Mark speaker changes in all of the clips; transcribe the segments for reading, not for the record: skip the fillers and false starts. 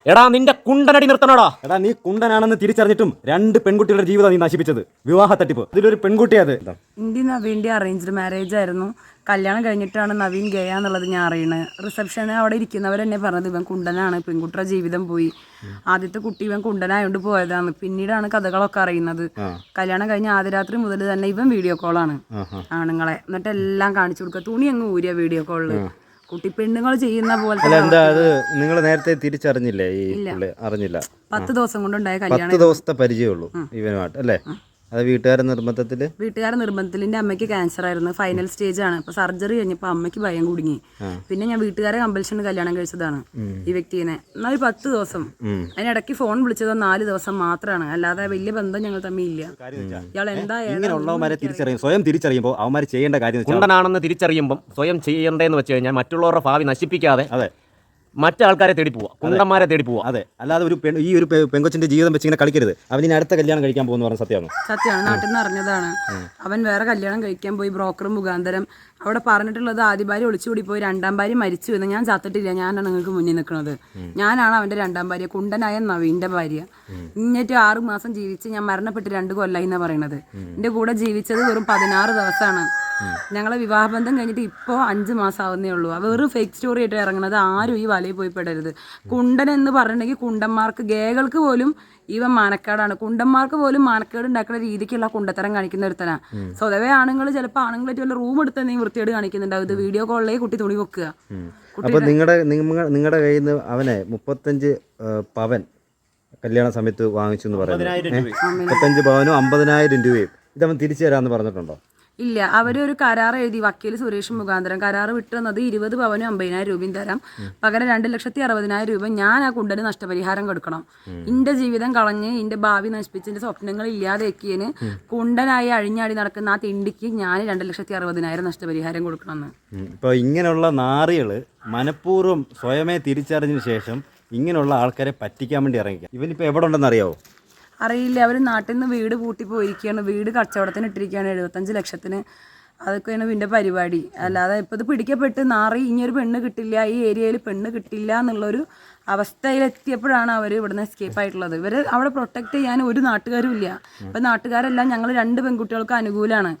Speaker 1: എടാ നിന്റെ കുണ്ടനടി നിർത്തണോടാ.
Speaker 2: എടാ നീ കുണ്ടനാണെന്ന് തിരിച്ചറിഞ്ഞിട്ടും രണ്ട് പെൺകുട്ടികളുടെ ജീവിതം നീ നശിപ്പിച്ചത്. വിവാഹ തട്ടിപ്പ്. ഇതിലൊരു പെൺകുട്ടിയത്.
Speaker 3: എൻ്റെ നവീൻ്റെ അറേഞ്ച്ഡ് മാരേജ് ആയിരുന്നു. കല്യാണം കഴിഞ്ഞിട്ടാണ് നവീൻ ഗയ എന്നുള്ളത് ഞാൻ അറിയണത്. റിസപ്ഷന് അവിടെ ഇരിക്കുന്നവരെന്നെ പറഞ്ഞത് ഇവൻ കുണ്ടനാണ്, പെൺകുട്ടിയുടെ ജീവിതം പോയി. ആദ്യത്തെ കുട്ടി ഇവൻ കുണ്ടനായോണ്ട് പോയതാണ്. പിന്നീടാണ് കഥകളൊക്കെ അറിയുന്നത്. കല്യാണം കഴിഞ്ഞ ആദ്യ രാത്രി മുതൽ തന്നെ ഇവൻ വീഡിയോ കോളാണ് ആണുങ്ങളെ, എന്നിട്ട് എല്ലാം കാണിച്ചു കൊടുക്കുക. തുണി അങ്ങ് ഊരിയ വീഡിയോ കോളില്. കുട്ടി പെണ്ണുങ്ങൾ ചെയ്യുന്ന പോലെ
Speaker 4: എന്താ അത് നിങ്ങൾ നേരത്തെ തിരിച്ചറിഞ്ഞില്ലേ? ഈ അറിഞ്ഞില്ല.
Speaker 3: 10 ദിവസം കൊണ്ടുണ്ടായ കല്യാണം.
Speaker 4: 10 ദിവസത്തെ പരിചയമുള്ളൂ ഇവനുമായിട്ട് അല്ലേ? അത് വീട്ടുകാരുടെ നിർബന്ധത്തിൽ എൻ്റെ അമ്മയ്ക്ക് ക്യാൻസർ ആയിരുന്നു, ഫൈനൽ സ്റ്റേജ് ആണ്. അപ്പൊ സർജറി കഴിഞ്ഞപ്പോൾ അമ്മയ്ക്ക് ഭയം കുടുങ്ങി. പിന്നെ ഞാൻ വീട്ടുകാരെ കമ്പൽഷന് കല്യാണം കഴിച്ചതാണ് ഈ വ്യക്തിനെ. എന്നാൽ 10 ദിവസം അതിനിടയ്ക്ക് ഫോൺ വിളിച്ചതോ 4 ദിവസം മാത്രമാണ്, അല്ലാതെ വലിയ ബന്ധം ഞങ്ങൾ തമ്മിൽ ഇല്ല. ഇയാൾ
Speaker 2: ഇങ്ങനെയുള്ളവന്മാരെ സ്വയം തിരിച്ചറിയുമ്പോൾ അവന്മാർ ചെയ്യേണ്ട കാര്യം
Speaker 1: കുണ്ടനാണെന്ന് തിരിച്ചറിയുമ്പോൾ സ്വയം ചെയ്യേണ്ടതെന്ന് വെച്ച് കഴിഞ്ഞാൽ മറ്റുള്ളവരുടെ ഭാവി നശിപ്പിക്കാതെ മറ്റാൾക്കാരെ തേടി പോവാ, കുണ്ടന്മാരെ തേടി പോവാ.
Speaker 2: അതെ, അല്ലാതെ ഒരു പെങ്കൊച്ചിന്റെ ജീവിതം വെച്ച് ഇങ്ങനെ കളിക്കരുത്. അവന് അടുത്ത കല്യാണം കഴിക്കാൻ പോകുന്ന പറഞ്ഞ സത്യമാണ്.
Speaker 3: നാട്ടിൽ നിന്ന് അറിഞ്ഞതാണ്. അവൻ വേറെ കല്യാണം കഴിക്കാൻ പോയി ബ്രോക്കർ മുഖാന്തരം. അവിടെ പറഞ്ഞിട്ടുള്ളത് ആദ്യ ഭാര്യ ഒളിച്ചുകൂടി പോയി, 2ാം ഭാര്യ മരിച്ചു എന്ന്. ഞാൻ ചത്തിട്ടില്ല, ഞാനാണ് നിങ്ങൾക്ക് മുന്നിൽ നിൽക്കുന്നത്. ഞാനാണ് അവന്റെ 2ാം ഭാര്യ, കുണ്ടനായ നവീന്റെ ഭാര്യ. ഇങ്ങോട്ട് 6 മാസം ജീവിച്ച് ഞാൻ മരണപ്പെട്ട് 2 കൊല്ലായി എന്നാ പറയണത്. എന്റെ കൂടെ ജീവിച്ചത് വെറും 16 ദിവസമാണ്. ഞങ്ങളെ വിവാഹബന്ധം കഴിഞ്ഞിട്ട് ഇപ്പോൾ 5 മാസം ആവുന്നേ ഉള്ളൂ. വെറും ഫേക്ക് സ്റ്റോറി ആയിട്ട് ഇറങ്ങുന്നത്. ആരും ഈ വലയിൽ പോയി പെടരുത്. കുണ്ടൻ എന്ന് പറഞ്ഞിട്ടുണ്ടെങ്കിൽ കുണ്ടന്മാർക്ക്, ഗേകൾക്ക് പോലും ഇവൻ മാനക്കേടാണ്. കുണ്ടന്മാർക്ക് പോലും മാനക്കേട് ഉണ്ടാക്കുന്ന രീതിക്കുള്ള കുണ്ടത്തരം കാണിക്കുന്ന ഒരുത്തനാ. സ്വതവേ ആണുങ്ങൾ ചിലപ്പോൾ ആണുങ്ങളായിട്ട് വല്ല റൂം എടുത്ത് എന്തെങ്കിലും വൃത്തിയോട് കാണിക്കുന്നുണ്ടാവും. ഇത് വീഡിയോ കോളിലേ കുട്ടി തുണി വെക്കുക.
Speaker 4: അപ്പൊ നിങ്ങളുടെ കയ്യിൽ നിന്ന് അവനെ 35 പവൻ കല്യാണ സമയത്ത് വാങ്ങിച്ചു എന്ന് പറയുന്നത്. 35 പവനും 50,000 രൂപയും ഇതവൻ തിരിച്ചു തരാമെന്ന് പറഞ്ഞിട്ടുണ്ടോ?
Speaker 3: ഇല്ല, അവരൊരു കരാർ എഴുതി, വക്കീൽ സുരേഷ് മുഖാന്തരം കരാർ വിട്ടുന്നത് 20 പവനും 50,000 രൂപയും തരാം, പകരം 2,60,000 രൂപ ഞാൻ ആ കുണ്ടന് നഷ്ടപരിഹാരം കൊടുക്കണം. എന്റെ ജീവിതം കളഞ്ഞ് എന്റെ ഭാവി നശിപ്പിച്ച് എന്റെ സ്വപ്നങ്ങൾ ഇല്ലാതെക്കിയതിന് കുണ്ടനായി അഴിഞ്ഞാടി നടക്കുന്ന ആ തിണ്ടിക്ക് ഞാൻ 2,60,000 നഷ്ടപരിഹാരം കൊടുക്കണമെന്ന്.
Speaker 2: ഇപ്പൊ ഇങ്ങനെയുള്ള നാറികള് മനഃപൂർവ്വം സ്വയമേ തിരിച്ചറിഞ്ഞതിന് ശേഷം ഇങ്ങനെയുള്ള ആൾക്കാരെ പറ്റിക്കാൻ വേണ്ടി ഇറങ്ങിക്കാം. ഇവനിപ്പോ എവിടെ ഉണ്ടെന്ന് അറിയാവോ?
Speaker 3: അറിയില്ല. അവർ നാട്ടിൽ നിന്ന് വീട് പൂട്ടി പോയിരിക്കുകയാണ്. വീട് കച്ചവടത്തിന് ഇട്ടിരിക്കുകയാണ് 75 ലക്ഷത്തിന്. അതൊക്കെയാണ് ഇതിൻ്റെ പരിപാടി. അല്ലാതെ ഇപ്പോൾ ഇത് പിടിക്കപ്പെട്ട് നാറി ഇനിയൊരു പെണ്ണ് കിട്ടില്ല, ഈ ഏരിയയിൽ പെണ്ണ് കിട്ടില്ല എന്നുള്ളൊരു അവസ്ഥയിലെത്തിയപ്പോഴാണ് അവർ ഇവിടുന്ന് എസ്കേപ്പ് ആയിട്ടുള്ളത്. ഇവർ അവിടെ പ്രൊട്ടക്ട് ചെയ്യാൻ ഒരു നാട്ടുകാരും ഇല്ല. ഇപ്പം നാട്ടുകാരെല്ലാം ഞങ്ങൾ 2 പെൺകുട്ടികൾക്ക് അനുകൂലമാണ്.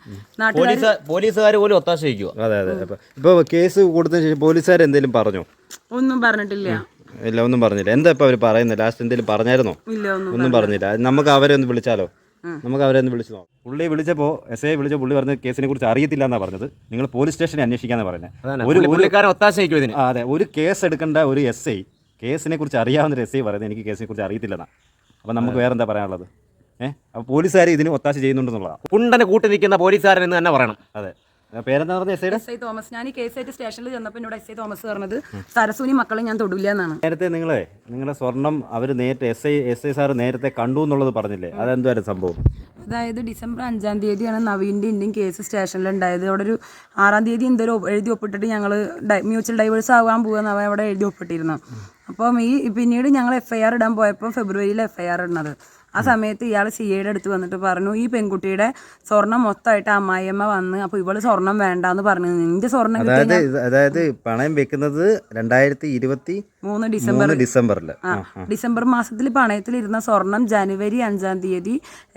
Speaker 1: പോലീസുകാർ പോലും ഒത്താശ വയ്ക്കുക.
Speaker 4: അതെ അതെ. ഇപ്പോൾ കേസ് കൊടുത്തതിന് ശേഷം പോലീസുകാർ എന്തെങ്കിലും പറഞ്ഞോ?
Speaker 3: ഒന്നും പറഞ്ഞിട്ടില്ല.
Speaker 4: ഇല്ല, ഒന്നും പറഞ്ഞില്ല. എന്താ ഇപ്പൊ അവര് പറയുന്നത്? ലാസ്റ്റ് എന്തെങ്കിലും പറഞ്ഞായിരുന്നോ? ഒന്നും പറഞ്ഞില്ല. നമുക്ക് അവരെ ഒന്ന് വിളിച്ചാലോ? നമുക്ക് അവരെ ഒന്ന് വിളിച്ചു നോക്കാം.
Speaker 2: പുള്ളി വിളിച്ചപ്പോൾ എസ് ഐ വിളിച്ച പുള്ളി പറഞ്ഞ കേസിനെ കുറിച്ച് അറിയത്തില്ല എന്നാണ് പറഞ്ഞത്. നിങ്ങൾ പോലീസ് സ്റ്റേഷനിൽ അന്വേഷിക്കാന്ന് പറഞ്ഞത്. അതെ, ഒരു കേസ് എടുക്കേണ്ട ഒരു എസ് ഐ കേസിനെ കുറിച്ച് അറിയാവുന്ന എസ് ഐ പറയുന്നത് എനിക്ക് കേസിനെ കുറിച്ച് അറിയത്തില്ലെന്നാ. അപ്പം നമുക്ക് വേറെ എന്താ പറയാനുള്ളത്? അപ്പോൾ പോലീസുകാർ ഇതിന് ഒത്താശ ചെയ്യുന്നുണ്ടെന്നുള്ളതാണ്.
Speaker 1: കുണ്ടനെ കൂട്ടി നിൽക്കുന്ന പോലീസുകാരൻ എന്ന് തന്നെ പറയണം.
Speaker 2: അതെ, പേരെന്താ പറഞ്ഞ
Speaker 3: എസ് ഐ തോമസ്. ഞാൻ ഈ കേസായിട്ട് സ്റ്റേഷനിൽ ചെന്നപ്പോൾ എന്നോട് എസ് ഐ തോമസ് പറഞ്ഞത് സരസൂനി മക്കളെ ഞാൻ തൊടില്ല എന്നാണ്.
Speaker 2: നേരത്തെ നിങ്ങളുടെ സ്വർണം അവർ നേരത്തെ എസ് ഐ സാർ നേരത്തെ കണ്ടു എന്നുള്ളത് പറഞ്ഞില്ലേ? അതെന്തായാലും സംഭവം?
Speaker 3: അതായത് ഡിസംബർ 5-ാം തീയതിയാണ് നവീൻ്റെ ഇന്ത്യൻ കേസ് സ്റ്റേഷനിൽ ഉണ്ടായത്. അവിടെ ഒരു 6-ാം തീയതി എന്തെങ്കിലും എഴുതി ഒപ്പിട്ടിട്ട് ഞങ്ങൾ മ്യൂച്വൽ ഡൈവേഴ്സ് ആകാൻ പോകുന്ന അവിടെ എഴുതി ഒപ്പിട്ടിരുന്നു. അപ്പം പിന്നീട് ഞങ്ങൾ FIR ഇടാൻ പോയപ്പോൾ ഫെബ്രുവരിയിൽ FIR ഇടുന്നത്. ആ സമയത്ത് ഇയാൾ CIയുടെ അടുത്ത് വന്നിട്ട് പറഞ്ഞു, ഈ പെൺകുട്ടിയുടെ സ്വർണം മൊത്തമായിട്ട് അമ്മായിയമ്മ വന്ന്, അപ്പോൾ ഇവള് സ്വർണം വേണ്ടാന്ന് പറഞ്ഞു. നിന്റെ സ്വർണം
Speaker 4: അതായത് പണയം വെക്കുന്നത് 2023 ഡിസംബറിൽ.
Speaker 3: ഡിസംബർ മാസത്തിൽ പണയത്തിലിരുന്ന സ്വർണം ജനുവരി 5-ാം തീയതി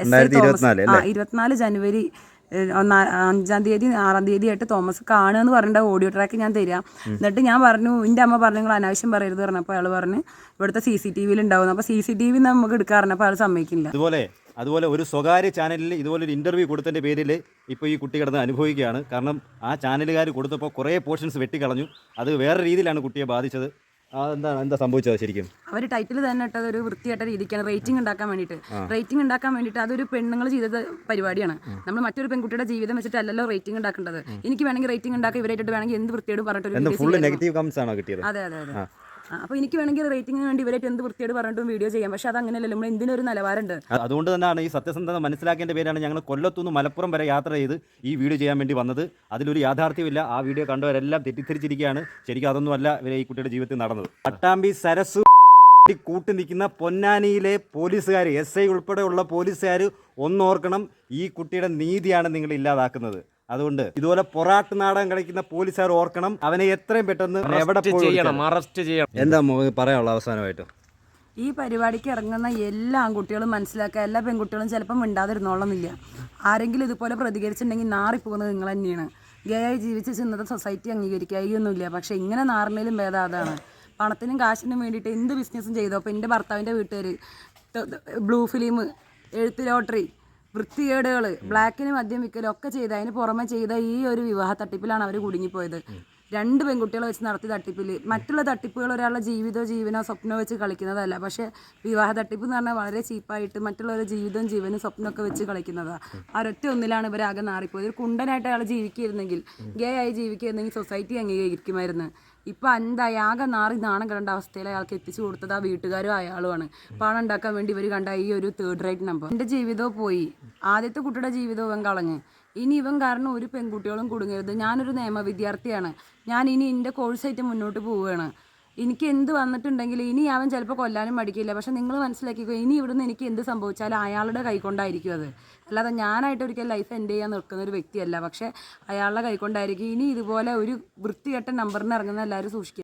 Speaker 3: 24 ജനുവരി 5-ാം തീയതി 6-ാം തീയതി ആയിട്ട് തോമസ് കാണുക പറഞ്ഞിട്ട് ഓഡിയോ ട്രാക്ക് ഞാൻ തരാം. എന്നിട്ട് ഞാൻ പറഞ്ഞു, എൻ്റെ അമ്മ പറഞ്ഞു നിങ്ങൾ അനാവശ്യം പറയരുത് പറഞ്ഞപ്പോൾ അയാൾ പറഞ്ഞു ഇവിടുത്തെ CCTV ഉണ്ടാവും. അപ്പോൾ CCTV നമുക്ക് എടുക്കാറുണ്ട്. അപ്പോൾ അയാൾ സമ്മതിക്കില്ല.
Speaker 2: അതുപോലെ ഒരു സ്വകാര്യ ചാനലിൽ ഇതുപോലൊരു ഇൻ്റർവ്യൂ കൊടുത്തതിൻ്റെ പേരിൽ ഇപ്പോൾ ഈ കുട്ടി കിടന്ന് അനുഭവിക്കുകയാണ്. കാരണം ആ ചാനലുകാർ കൊടുത്തപ്പോൾ കുറേ പോർഷൻസ് വെട്ടിക്കളഞ്ഞു. അത് വേറെ രീതിയിലാണ് കുട്ടിയെ ബാധിച്ചത്. എന്താ സംഭവിച്ചത് ശരിക്കും?
Speaker 3: അവർ ടൈറ്റിൽ തന്നെ ഇട്ടത് ഒരു വൃത്തിയായിട്ട രീതിക്കാണ്, റേറ്റിംഗ് ഉണ്ടാക്കാൻ വേണ്ടിയിട്ട്. അതൊരു പെണ്ണുങ്ങൾ ചെയ്ത പരിപാടിയാണ്. നമ്മൾ മറ്റൊരു പെൺകുട്ടിയുടെ ജീവിതം വെച്ചിട്ടല്ലല്ലോ റേറ്റിംഗ് ഉണ്ടാക്കേണ്ടത്. എനിക്ക് വേണമെങ്കിൽ റേറ്റിംഗ് ഉണ്ടാക്കി ഇവരായിട്ട് വേണമെങ്കിൽ എന്ത് വൃത്തിയോട് പറഞ്ഞിട്ട്. അതെ അതെ അതെ. അപ്പോൾ എനിക്ക് വേണമെങ്കിൽ റേറ്റിംഗിന് വേണ്ടി ഇവരായിട്ട് എന്ത് വൃത്തിയോട് പറഞ്ഞിട്ടും വീഡിയോ ചെയ്യാം. പക്ഷെ അത് അങ്ങനെയല്ലോ, നമ്മൾ എന്തിനൊരു നിലവാരമുണ്ട്.
Speaker 2: അതുകൊണ്ട് തന്നെയാണ് ഈ സത്യസന്ധത മനസ്സിലാക്കേണ്ട പേരാണ് ഞങ്ങൾ കൊല്ലത്തുനിന്ന് മലപ്പുറം വരെ യാത്ര ചെയ്ത് ഈ വീഡിയോ ചെയ്യാൻ വേണ്ടി വന്നത്. അതിലൊരു യാഥാർത്ഥ്യമില്ല. ആ വീഡിയോ കണ്ടവരെല്ലാം തെറ്റിദ്ധരിച്ചിരിക്കുകയാണ്. ശരിക്കും അതൊന്നുമല്ല ഇവരെ ഈ കുട്ടിയുടെ ജീവിതത്തിൽ നടന്നത്. പട്ടാമ്പി സരസു കൂട്ടി നിൽക്കുന്ന പൊന്നാനിയിലെ പോലീസുകാർ, SI ഉൾപ്പെടെയുള്ള പോലീസുകാർ ഒന്നോർക്കണം, ഈ കുട്ടിയുടെ നീതിയാണ് നിങ്ങൾ ഇല്ലാതാക്കുന്നത്. അതുകൊണ്ട് ഇതുപോലെ പൊറാട്ട് നാടകം കളിക്കുന്ന പോലീസുകാർ ഓർക്കണം, അവനെ എത്രയും പെട്ടെന്ന് എവിടെ
Speaker 1: ചെയ്യണം, അറസ്റ്റ് ചെയ്യണം.
Speaker 4: എന്താ പറയാനുള്ള അവസാനമായിട്ട്?
Speaker 3: ഈ പരിപാടിക്ക് ഇറങ്ങുന്ന എല്ലാ ആൺകുട്ടികളും മനസ്സിലാക്കുക, എല്ലാ പെൺകുട്ടികളും ചിലപ്പം മിണ്ടാതിരുന്നോളന്നില്ല. ആരെങ്കിലും ഇതുപോലെ പ്രതികരിച്ചിട്ടുണ്ടെങ്കിൽ നാറിപ്പോകുന്നത് നിങ്ങൾ തന്നെയാണ്. ഗേ ആയി ജീവിച്ച് ഇന്നത്തെ സൊസൈറ്റി അംഗീകരിക്കുകയൊന്നുമില്ല. പക്ഷേ ഇങ്ങനെ നാറിനേലും ഭേദം അതാണ്. പണത്തിനും കാശിനും വേണ്ടിയിട്ട് എന്ത് ബിസിനസ്സും ചെയ്തോ. അപ്പോൾ എൻ്റെ ഭർത്താവിൻ്റെ വീട്ടുകാർ ബ്ലൂ ഫിലിം, എഴുത്ത് ലോട്ടറി, വൃത്തികേടുകൾ, ബ്ലാക്കിന് മദ്യം വിൽക്കലും ഒക്കെ ചെയ്ത് അതിന് പുറമെ ചെയ്ത ഈ ഒരു വിവാഹ തട്ടിപ്പിലാണ് അവർ കുടുങ്ങിപ്പോയത്. 2 പെൺകുട്ടികളെ വെച്ച് നടത്തിയ തട്ടിപ്പിൽ. മറ്റുള്ള തട്ടിപ്പുകൾ ഒരാളുടെ ജീവിതമോ ജീവനോ സ്വപ്നമോ വെച്ച് കളിക്കുന്നതല്ല. പക്ഷേ വിവാഹ തട്ടിപ്പ് എന്ന് പറഞ്ഞാൽ വളരെ ചീപ്പായിട്ട് മറ്റുള്ളവരുടെ ജീവിതവും ജീവനും സ്വപ്നമൊക്കെ വെച്ച് കളിക്കുന്നതാണ്. ഒരൊറ്റ ഒന്നിലാണ് ഇവരാകെ നാറിപ്പോയത്. ഒരു കുണ്ടനായിട്ട് അയാൾ ജീവിക്കുമായിരുന്നെങ്കിൽ, ഗേ ആയി ജീവിക്കുമായിരുന്നെങ്കിൽ സൊസൈറ്റി അംഗീകരിക്കുമായിരുന്നു. ഇപ്പം എന്തായി ആകെ നാറി നാണം കണ്ട അവസ്ഥയിൽ അയാൾക്ക് എത്തിച്ചു കൊടുത്തത് ആ വീട്ടുകാരും അയാളുമാണ്. പണം ഉണ്ടാക്കാൻ വേണ്ടി ഇവർ കണ്ട ഈ ഒരു 3rd റേറ്റ് നമ്പർ. എൻ്റെ ജീവിതവും പോയി, ആദ്യത്തെ കുട്ടിയുടെ ജീവിതവും ഇവൻ കളഞ്ഞ്. ഇനി ഇവൻ കാരണം ഒരു പെൺകുട്ടികളും കുടുങ്ങരുത്. ഞാനൊരു നിയമ വിദ്യാർത്ഥിയാണ്. ഞാൻ ഇനി എൻ്റെ കോഴ്സായിട്ട് മുന്നോട്ട് പോവുകയാണ്. എനിക്ക് എന്ത് വന്നിട്ടുണ്ടെങ്കിൽ ഇനി അവൻ ചിലപ്പോൾ കൊല്ലാനും മടിക്കില്ല. പക്ഷെ നിങ്ങൾ മനസ്സിലാക്കിക്കോ, ഇനി ഇവിടുന്ന് എനിക്ക് എന്ത് സംഭവിച്ചാലും അയാളുടെ കൈകൊണ്ടായിരിക്കും അത്. അല്ലാതെ ഞാനായിട്ട് ഒരിക്കലും ലൈഫ് എൻഡ് ചെയ്യാൻ നിൽക്കുന്ന ഒരു വ്യക്തിയല്ല. പക്ഷേ അയാളുടെ കൈകൊണ്ടായിരിക്കും. ഇനി ഇതുപോലെ ഒരു വൃത്തികെട്ട നമ്പറിന് ഇറങ്ങുന്ന എല്ലാവരും സൂക്ഷിക്കുക.